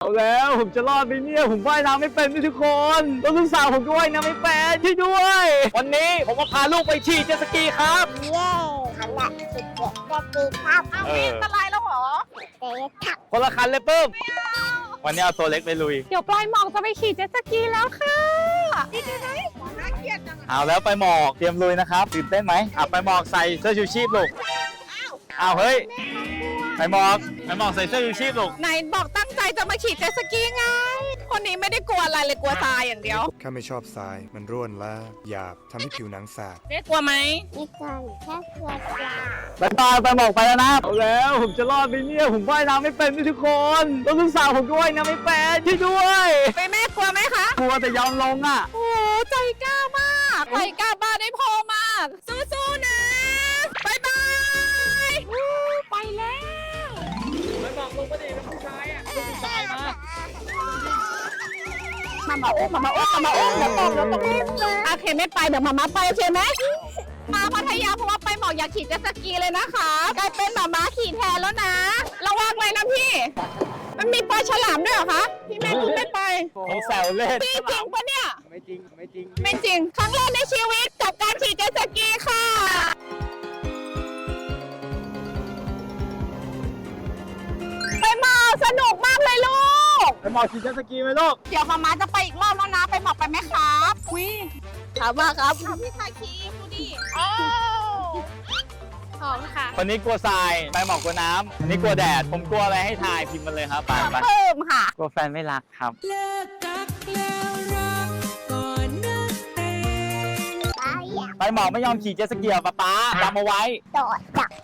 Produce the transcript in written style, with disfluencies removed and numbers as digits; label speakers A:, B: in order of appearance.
A: แล้วผมจะรอดไหมเนี่ยผมว่ายน้ำไม่เป็นด้วยทุกคนแล้วลูกสาวผมก็ว่ายน้ำไม่เป็นช่วยด้วย วันนี้ผมมาพาลูกไปขี่เจ็ตสกีครับ
B: เย้ขนาดสุดเด็ดได้ดีครับ
C: เอามีอันตรายแล้วเหรอ
B: เด็ดครับ
A: คนละคันเลยปื้มวันนี้เอาตัวเล็กไปลุย
C: เดี๋ยวปลายหมอกจะไปขี่เจ็ตสกีแล้วค่ะนี่ดูนะน่าเกลียดจัง
A: เอาแล้วไปหมอกเตรียมลุยนะครับตื่นเต้นไหมไปหมอกใส่เสื้อชูชีพลูกอ้าวเฮ้ยไปหมอกใส่เสื้อชูชีพลูก
C: ไหนบอกตั้งใจจะมาขี่เจ็ตสกีไง คนนี้ไม่ได้กลัวอะไรเลยกลัวทรายอย่างเดียว
D: ข้าไม่ชอบทราย มันร่วนและหยาบทำให้ผิวหนังสาบ
C: เจ๊กลัวไหม
B: นี่ก่อนแค่เพื่อนปลา
A: ไปหมอกไปแล้วนะเอาแล้วผมจะรอดไหมเนี่ยผมว่ายน้ำไม่เป็นด้วยทุกคนแล้วลูกสาวผมก็ว่ายน้ำไม่เป็นช่วยด้วย
C: ไปแม่กลัวไหมคะ
A: กลัวแต่ยอมลงอ่ะ
C: โอ้ใจกล้ามากใจกล้าบ้าได้พอมาก สู้ๆนะบายบายไปแล้ว
A: ไปหมอกลงมาดิเป็นผู้ชายอ่ะเป็นผู้ชายมา
C: มาอุ้มเดี๋ยวตกโอเคไม่ไปเดี๋ยวมาไปโอเคไหมมาพัทยาเพราะว่าไปหมอกอยากขี่เจ็ตสกีเลยนะคะกลายเป็นหมาขี่แทนแล้วนะระวังเลยนะพี่ มันมีปลาฉลามด้วยเหรอคะพี่แม่คุณไม่ไป
A: ผมแซวเล่น
C: พี่จริงปะเนี่ย
A: ไม่จริง
C: ไม่จริงครั้งแรกในชีวิตกับการขี่เจ็ตสกีค่ะไปหมอกสนุกมากเลยลูก
A: ไปหมอกขี่เจ็ตสกีไหมลูก
C: เดี๋ยวมาจะไปอีกรอบแล้วนะไปหมอกไปไหมครับวิถามว่าครับพี่ชายคีดูดิโอ้ของค่ะ
A: คนนี้กลัวทรายไปหมอกกลัวน้ำอันนี้กลัวแดดผมกลัวอะไรให้ทายพิมพ์มาเลยครับไป
C: เพิ่มค่ะ
A: กลัวแฟนไม่รักครับ
E: เลิกกักแล้วรักก่อนนักเตง
B: ปลาอยาก
A: ไปหมอกไม่ยอมขี่เจ็ตสกีป๊าจำเอาไว้
B: โดดจับ